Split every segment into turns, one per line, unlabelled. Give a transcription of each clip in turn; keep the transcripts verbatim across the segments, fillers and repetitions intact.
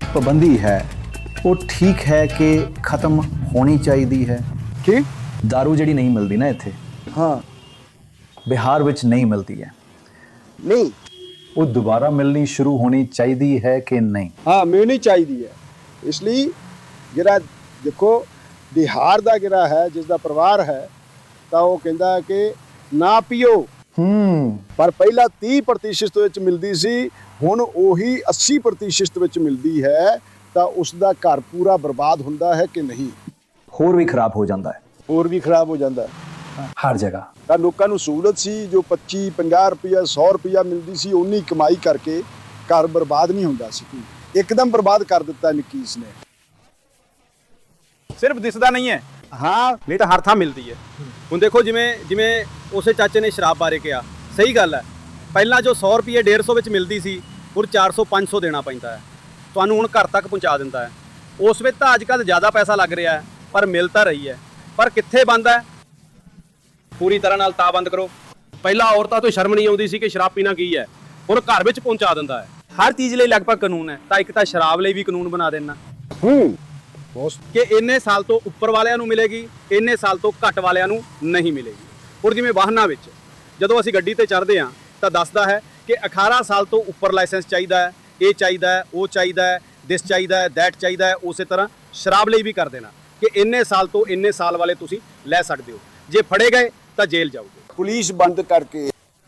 ਪਾਬੰਦੀ ਹੈ ਉਹ ਠੀਕ ਹੈ ਕਿ ਖਤਮ ਹੋਣੀ ਚਾਹੀਦੀ ਹੈ?
ਕੀ
दारू ਜਿਹੜੀ ਨਹੀਂ ਮਿਲਦੀ ਨਾ ਇੱਥੇ,
ਹਾਂ
ਬਿਹਾਰ ਵਿੱਚ ਨਹੀਂ ਮਿਲਦੀ ਹੈ,
ਨਹੀਂ
ਉਹ ਦੁਬਾਰਾ ਮਿਲਣੀ ਸ਼ੁਰੂ ਹੋਣੀ ਚਾਹੀਦੀ ਹੈ ਕਿ ਨਹੀਂ?
ਹਾਂ ਮਿਲਣੀ ਚਾਹੀਦੀ ਹੈ। ਇਸ ਲਈ ਜਿਹੜਾ ਦੇਖੋ ਬਿਹਾਰ ਦਾ ਜਿਹੜਾ ਹੈ ਜਿਸ ਦਾ ਪਰਿਵਾਰ ਹੈ ਤਾਂ ਉਹ ਕਹਿੰਦਾ ਕਿ ਨਾ ਪੀਓ,
ਹੂੰ
ਪਰ ਪਹਿਲਾਂ ਤੀਹ ਪ੍ਰਤੀਸ਼ਤ ਵਿੱਚ ਮਿਲਦੀ ਸੀ, ਹੁਣ ਉਹੀ ਅੱਸੀ ਪ੍ਰਤੀਸ਼ਤ ਵਿੱਚ ਮਿਲਦੀ ਹੈ, ਤਾਂ ਉਸ ਦਾ ਘਰ ਪੂਰਾ ਬਰਬਾਦ ਹੁੰਦਾ ਹੈ ਕਿ ਨਹੀਂ?
ਹੋਰ ਵੀ ਖਰਾਬ ਹੋ ਜਾਂਦਾ ਹੈ
ਹੋਰ ਵੀ ਖਰਾਬ ਹੋ ਜਾਂਦਾ ਹੈ।
ਹਰ ਜਗ੍ਹਾ।
ਤਾਂ ਲੋਕਾਂ ਨੂੰ ਸਹੂਲਤ ਸੀ, ਜੋ ਪੱਚੀ ਪੰਜਾਹ ਰੁਪਈਆ ਸੌ ਰੁਪਈਆ ਮਿਲਦੀ ਸੀ, ਉਨੀ ਕਮਾਈ ਕਰਕੇ ਘਰ ਬਰਬਾਦ ਨਹੀਂ ਹੁੰਦਾ ਸੀ। ਇੱਕਦਮ ਬਰਬਾਦ ਕਰ ਦਿੱਤਾ ਨਕੀਸ ਨੇ।
ਸਿਰਫ ਦਿਸਦਾ ਨਹੀਂ ਹੈ,
ਹਾਂ
ਨਹੀਂ ਤਾਂ ਹਰ ਥਾਂ ਮਿਲਦੀ ਹੈ। ਹੁਣ ਦੇਖੋ ਜਿਵੇਂ ਜਿਵੇਂ ਉਸੇ ਚਾਚੇ ਨੇ ਸ਼ਰਾਬ ਬਾਰੇ ਕਿਹਾ, ਸਹੀ ਗੱਲ ਹੈ। ਪਹਿਲਾਂ ਜੋ ਸੌ ਰੁਪਏ ਡੇਢ ਸੌ ਵਿੱਚ ਮਿਲਦੀ ਸੀ, ਹੁਣ ਚਾਰ ਸੌ ਪੰਜ ਸੌ ਦੇਣਾ ਪੈਂਦਾ ਹੈ, ਤੁਹਾਨੂੰ ਹੁਣ ਘਰ ਤੱਕ ਪਹੁੰਚਾ ਦਿੰਦਾ ਹੈ। ਉਸ ਵਿੱਚ ਤਾਂ ਅੱਜ ਕੱਲ੍ਹ ਜ਼ਿਆਦਾ ਪੈਸਾ ਲੱਗ ਰਿਹਾ ਹੈ, ਪਰ ਮਿਲ ਤਾਂ ਰਹੀ ਹੈ। ਪਰ ਕਿੱਥੇ ਬੰਦ ਹੈ? ਪੂਰੀ ਤਰ੍ਹਾਂ ਨਾਲ ਤਾਂ ਬੰਦ ਕਰੋ। ਪਹਿਲਾਂ ਔਰਤਾਂ ਤੋਂ ਸ਼ਰਮ ਨਹੀਂ ਆਉਂਦੀ ਸੀ ਕਿ ਸ਼ਰਾਬ ਪੀਣਾ ਕੀ ਹੈ, ਹੁਣ ਘਰ ਵਿੱਚ ਪਹੁੰਚਾ ਦਿੰਦਾ ਹੈ। ਹਰ ਚੀਜ਼ ਲਈ ਲਗਭਗ ਕਾਨੂੰਨ ਹੈ, ਤਾਂ ਇੱਕ ਤਾਂ ਸ਼ਰਾਬ ਲਈ ਵੀ ਕਾਨੂੰਨ ਬਣਾ ਦੇਣਾ
ਹੂੰ ਬਹੁਤ
ਕਿ ਇੰਨੇ ਸਾਲ ਤੋਂ ਉੱਪਰ ਵਾਲਿਆਂ ਨੂੰ ਮਿਲੇਗੀ, ਇੰਨੇ ਸਾਲ ਤੋਂ ਘੱਟ ਵਾਲਿਆਂ ਨੂੰ ਨਹੀਂ ਮਿਲੇਗੀ। ਹੁਣ ਜਿਵੇਂ ਵਾਹਨਾਂ ਵਿੱਚ ਜਦੋਂ ਅਸੀਂ ਗੱਡੀ ਤੇ ਚੜ੍ਹਦੇ ਹਾਂ ਤਾਂ ਦੱਸਦਾ ਹੈ ਕਿ ਅਠਾਰਾਂ ਸਾਲ ਤੋਂ ਉੱਪਰ ਲਾਇਸੈਂਸ ਚਾਹੀਦਾ ਹੈ, ਇਹ ਚਾਹੀਦਾ ਹੈ, ਉਹ ਚਾਹੀਦਾ ਹੈ, ਦਿਸ ਚਾਹੀਦਾ ਹੈ, ਦੈਟ ਚਾਹੀਦਾ ਹੈ। ਉਸੇ ਤਰ੍ਹਾਂ ਸ਼ਰਾਬ ਲਈ ਵੀ ਕਰ ਦੇਣਾ ਕਿ ਇੰਨੇ ਸਾਲ ਤੋਂ ਇੰਨੇ ਸਾਲ ਵਾਲੇ ਤੁਸੀਂ ਲੈ ਸਕਦੇ ਹੋ, ਜੇ ਫੜੇ ਗਏ ਤਾਂ ਜੇਲ੍ਹ ਜਾਓਗੇ।
ਪੁਲਿਸ ਬੰਦ ਕਰਕੇ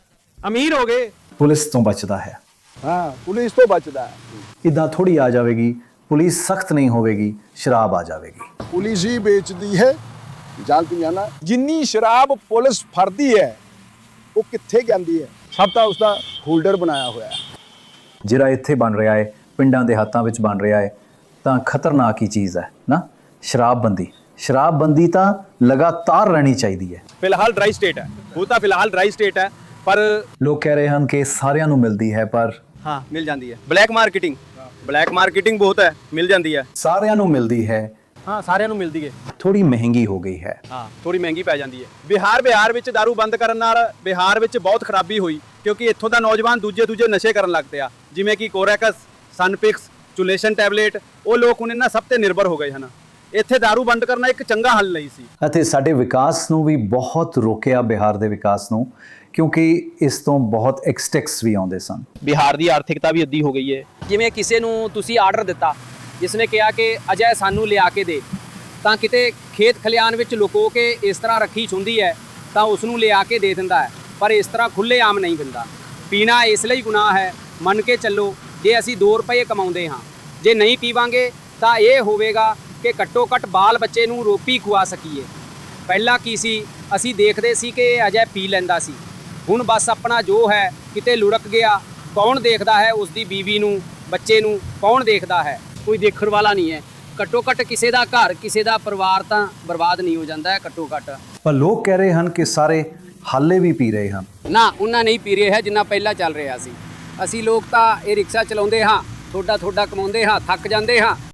ਅਮੀਰ ਹੋ ਗਏ,
ਪੁਲਿਸ ਤੋਂ ਬਚਦਾ ਹੈ।
ਹਾਂ ਪੁਲਿਸ ਤੋਂ ਬਚਦਾ ਹੈ।
ਇੱਦਾਂ ਥੋੜੀ ਆ ਜਾਵੇਗੀ, ਪੁਲਿਸ ਸਖਤ ਨਹੀਂ ਹੋਵੇਗੀ, ਸ਼ਰਾਬ ਆ ਜਾਵੇਗੀ।
ਪੁਲਿਸ ਹੀ ਵੇਚਦੀ ਹੈ, ਜਾਣਦੀ ਹੈ ਨਾ। ਜਿੰਨੀ ਸ਼ਰਾਬ ਪੁਲਿਸ ਫੜਦੀ ਹੈ ਉਹ ਕਿੱਥੇ ਜਾਂਦੀ ਹੈ? ਸਭ ਤਾਂ ਉਸਦਾ ਹੋਲਡਰ ਬਣਾਇਆ ਹੋਇਆ ਹੈ।
ਜਿਹੜਾ ਇੱਥੇ ਬਣ ਰਿਹਾ ਹੈ, ਪਿੰਡਾਂ ਦੇ ਹੱਥਾਂ ਵਿੱਚ ਬਣ ਰਿਹਾ ਹੈ, ਤਾਂ ਖਤਰਨਾਕ ਹੀ ਚੀਜ਼ ਹੈ ਨਾ। ਸ਼ਰਾਬਬੰਦੀ ਸ਼ਰਾਬਬੰਦੀ ਤਾਂ ਲਗਾਤਾਰ ਰਹਿਣੀ ਚਾਹੀਦੀ ਹੈ।
ਫਿਲਹਾਲ ਡਰਾਈ ਸਟੇਟ ਹੈ, ਉਹ ਤਾਂ ਫਿਲਹਾਲ ਡਰਾਈ ਸਟੇਟ ਹੈ, ਪਰ
ਲੋਕ ਕਹਿ ਰਹੇ ਹਨ ਕਿ ਸਾਰਿਆਂ ਨੂੰ ਮਿਲਦੀ ਹੈ, ਪਰ
ਹਾਂ ਮਿਲ ਜਾਂਦੀ ਹੈ। ਬਲੈਕ ਮਾਰਕੀਟਿੰਗ ਬਲੈਕ ਮਾਰਕੀਟਿੰਗ ਬਹੁਤ ਹੈ, ਮਿਲ ਜਾਂਦੀ ਹੈ।
ਸਾਰਿਆਂ ਨੂੰ ਮਿਲਦੀ ਹੈ,
ਹਾਂ ਸਾਰਿਆਂ ਨੂੰ ਮਿਲਦੀ ਹੈ।
ਥੋੜੀ ਮਹਿੰਗੀ ਹੋ ਗਈ ਹੈ।
ਹਾਂ ਥੋੜੀ ਮਹਿੰਗੀ ਪੈ ਜਾਂਦੀ ਹੈ। ਬਿਹਾਰ ਬਿਹਾਰ ਵਿੱਚ ਦਾਰੂ ਬੰਦ ਕਰਨ ਨਾਲ ਬਿਹਾਰ ਵਿੱਚ ਬਹੁਤ ਖਰਾਬੀ ਹੋਈ, ਕਿਉਂਕਿ ਇੱਥੋਂ ਦਾ ਨੌਜਵਾਨ ਦੂਜੇ ਦੂਜੇ ਨਸ਼ੇ ਕਰਨ ਲੱਗ ਪਿਆ, ਜਿਵੇਂ ਕਿ ਕੋਰੈਕਸ, ਸਨਪਿਕਸ, ਚੁਲੇਸ਼ਨ ਟੈਬਲੇਟ। ਉਹ ਲੋਕ ਹੁਣ ਇਹਨਾਂ ਸਭ ਤੇ ਨਿਰਭਰ ਹੋ ਗਏ ਹਨ। ਇੱਥੇ ਦਾਰੂ ਬੰਦ ਕਰਨਾ ਇੱਕ ਚੰਗਾ ਹੱਲ ਨਹੀਂ ਸੀ,
ਅਤੇ ਸਾਡੇ ਵਿਕਾਸ ਨੂੰ ਵੀ ਬਹੁਤ ਰੋਕਿਆ, ਬਿਹਾਰ ਦੇ ਵਿਕਾਸ ਨੂੰ, ਕਿਉਂਕਿ ਇਸ ਤੋਂ ਬਹੁਤ ਐਕਸਟੈਕਸ ਵੀ ਆਉਂਦੇ ਸਨ।
ਬਿਹਾਰ ਦੀ ਆਰਥਿਕਤਾ ਵੀ ਅੱਧੀ ਹੋ ਗਈ ਹੈ।
ਜਿਵੇਂ ਕਿਸੇ ਨੂੰ ਤੁਸੀਂ ਆਰਡਰ ਦਿੱਤਾ, ਜਿਸ ਨੇ ਕਿਹਾ ਕਿ ਅਜੇ ਸਾਨੂੰ ਲਿਆ ਕੇ ਦੇ, ਤਾਂ ਕਿਤੇ ਖੇਤ ਖਲਿਆਣ ਵਿੱਚ ਲੁਕੋ ਕੇ ਇਸ ਤਰ੍ਹਾਂ ਰੱਖੀ ਹੁੰਦੀ ਹੈ ਤਾਂ ਉਸ ਨੂੰ ਲਿਆ ਕੇ ਦੇ ਦਿੰਦਾ ਹੈ, ਪਰ ਇਸ ਤਰ੍ਹਾਂ ਖੁੱਲ੍ਹੇ ਆਮ ਨਹੀਂ ਦਿੰਦਾ। ਪੀਣਾ ਇਸ ਲਈ ਗੁਨਾਹ ਹੈ, ਮੰਨ ਕੇ ਚੱਲੋ ਜੇ ਅਸੀਂ ਦੋ ਰੁਪਏ ਕਮਾਉਂਦੇ ਹਾਂ, ਜੇ ਨਹੀਂ ਪੀਵਾਂਗੇ ਤਾਂ ਇਹ ਹੋਵੇਗਾ ਕਿ ਘੱਟੋ ਘੱਟ ਬਾਲ ਬੱਚੇ ਨੂੰ ਰੋਟੀ ਖਵਾ ਸਕੀਏ। ਪਹਿਲਾਂ ਕੀ ਸੀ, ਅਸੀਂ ਦੇਖਦੇ ਸੀ ਕਿ ਅਜੇ ਪੀ ਲੈਂਦਾ ਸੀ, ਹੁਣ ਬਸ ਆਪਣਾ ਜੋ ਹੈ ਕਿਤੇ ਲੁੜਕ ਗਿਆ, ਕੌਣ ਦੇਖਦਾ ਹੈ? ਉਸ ਦੀ ਬੀਵੀ ਨੂੰ, ਬੱਚੇ ਨੂੰ ਕੌਣ ਦੇਖਦਾ ਹੈ? ਕੋਈ ਦੇਖਣ ਵਾਲਾ ਨਹੀਂ ਹੈ। ਘੱਟੋ ਘੱਟ ਕਿਸੇ ਦਾ ਘਰ, ਕਿਸੇ ਦਾ ਪਰਿਵਾਰ ਤਾਂ ਬਰਬਾਦ ਨਹੀਂ ਹੋ ਜਾਂਦਾ ਹੈ ਘੱਟੋ ਘੱਟ।
ਪਰ ਲੋਕ ਕਹਿ ਰਹੇ ਹਨ ਕਿ ਸਾਰੇ ਹਾਲੇ ਵੀ ਪੀ ਰਹੇ ਹਨ।
ਨਾ ਉਹਨਾਂ ਨਹੀਂ ਪੀ ਰਿਹਾ ਹੈ ਜਿੰਨਾ ਪਹਿਲਾਂ ਚੱਲ ਰਿਹਾ ਸੀ। ਅਸੀਂ ਲੋਕ ਤਾਂ ਇਹ ਰਿਕਸ਼ਾ ਚਲਾਉਂਦੇ ਹਾਂ, ਥੋੜਾ ਥੋੜਾ ਕਮਾਉਂਦੇ ਹਾਂ, ਥੱਕ ਜਾਂਦੇ ਹਾਂ,